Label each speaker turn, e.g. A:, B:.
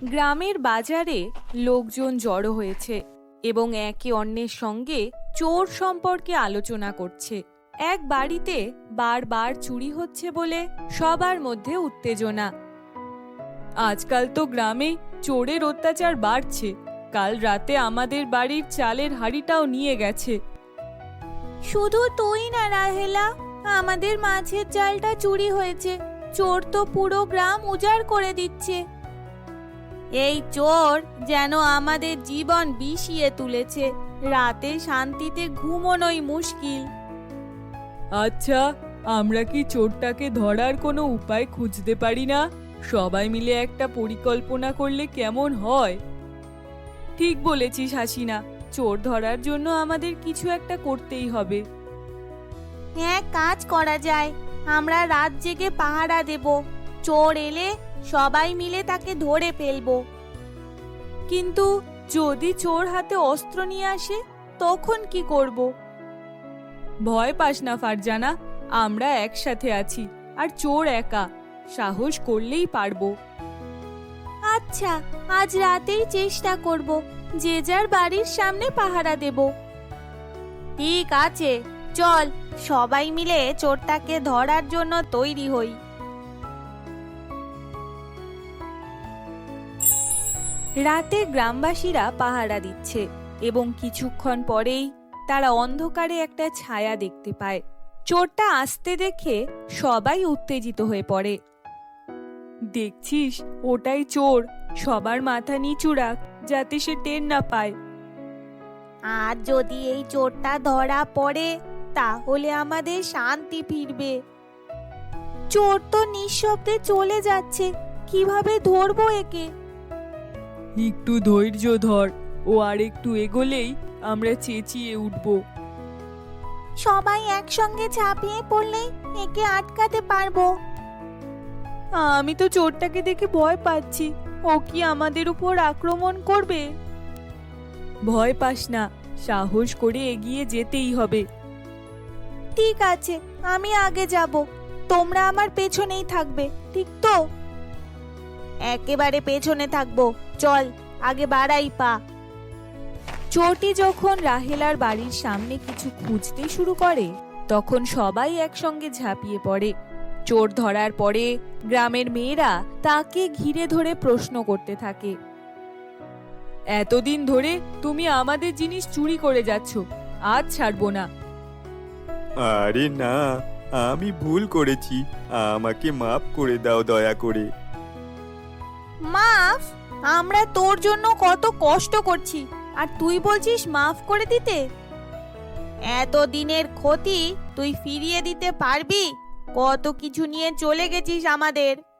A: গ্রামের বাজারে লোকজন জড়ো হয়েছে এবং একে অন্যের সঙ্গে চোর সম্পর্কে আলোচনা করছে। এক বাড়িতে বারবার চুরি হচ্ছে বলে সবার মধ্যে উত্তেজনা। আজকাল তো গ্রামে চোরের অত্যাচার বাড়ছে। কাল রাতে আমাদের বাড়ির চালের হাঁড়িটাও নিয়ে গেছে। শুধু তুই না রাহেলা, আমাদের মাছের জালটা চুরি হয়েছে। চোর তো পুরো গ্রাম উজাড় করে দিচ্ছে। এই চোর যেন আমাদের জীবন বিষিয়ে তুলেছে। রাতে শান্তিতে ঘুমোনোই মুশকিল। আচ্ছা, আমরা কি চোরটাকে ধরার কোনো উপায় খুঁজতে পারি না? সবাই মিলে একটা পরিকল্পনা করলে কেমন হয়? ঠিক বলেছিস হাসিনা, চোর ধরার জন্য আমাদের কিছু একটা করতেই হবে।
B: হ্যাঁ, কাজ করা যায়। আমরা রাত জেগে পাহারা দেব। চোর এলে সবাই মিলে তাকে ধরে ফেলবো।
A: কিন্তু যদি চোর হাতে অস্ত্র নিয়ে আসে তখন কি করব? ভয় পাস না ফারজানা, আমরা একসাথে আছি আর চোর একা। সাহস করলেই পারবো।
B: আচ্ছা, আজ রাতেই চেষ্টা করব। যে যার বাড়ির সামনে পাহারা দেব। ঠিক আছে, চল সবাই মিলে চোরটাকে ধরার জন্য তৈরি হই।
A: রাতে গ্রামবাসীরা পাহারা দিচ্ছে এবং কিছুক্ষণ পরেই তারা অন্ধকারে একটা ছায়া দেখতে পায়। চোরটা আসতে দেখে সবাই উত্তেজিত হয়ে পড়ে। দেখছিস, ওটাই চোর। সবার মাথা নিচু রাখ যাতে সে টের না পায়।
B: আর যদি এই চোরটা ধরা পড়ে তাহলে আমাদের শান্তি ফিরবে। চোর তো নিঃশব্দে চলে যাচ্ছে, কিভাবে ধরবো একে?
A: একটু ধৈর্য ধর, ও আর একটু এগোলেই আমরা চেঁচিয়ে উঠব।
B: সবাই একসঙ্গে ঝাঁপিয়ে পড়লেই একে আটকাতে পারবো।
A: আমি তো চোরটাকে দেখে ভয় পাচ্ছি। ও কি আমাদের উপর আক্রমণ করবে? ভয় পাস না, সাহস করে এগিয়ে যেতেই হবে।
B: ঠিক আছে, আমি আগে যাব, তোমরা আমার পেছনেই থাকবে, ঠিক তো? একেবারে পেছনে থাকবো। চল আগে বাড়াই পা।
A: চোরটি যখন রাহেলার বাড়ির সামনে কিছু খুঁজতে শুরু করে তখন সবাই একসঙ্গে ঝাঁপিয়ে পড়ে। চোর ধরার পরে গ্রামের মেয়েরা তাকে ঘিরে ধরে প্রশ্ন করতে থাকে। এতদিন ধরে তুমি আমাদের জিনিস চুরি করে যাচ্ছ, আজ ছাড়বো না।
C: আরে না, আমি ভুল করেছি, আমাকে মাফ করে দাও দয়া করে।
B: মাফ? আমরা তোর জন্য কত কষ্ট করছি আর তুই বলছিস মাফ করে দিতে? এত দিনের ক্ষতি তুই ফিরিয়ে দিতে পারবি? কত কিছু নিয়ে চলে গেছিস আমাদের।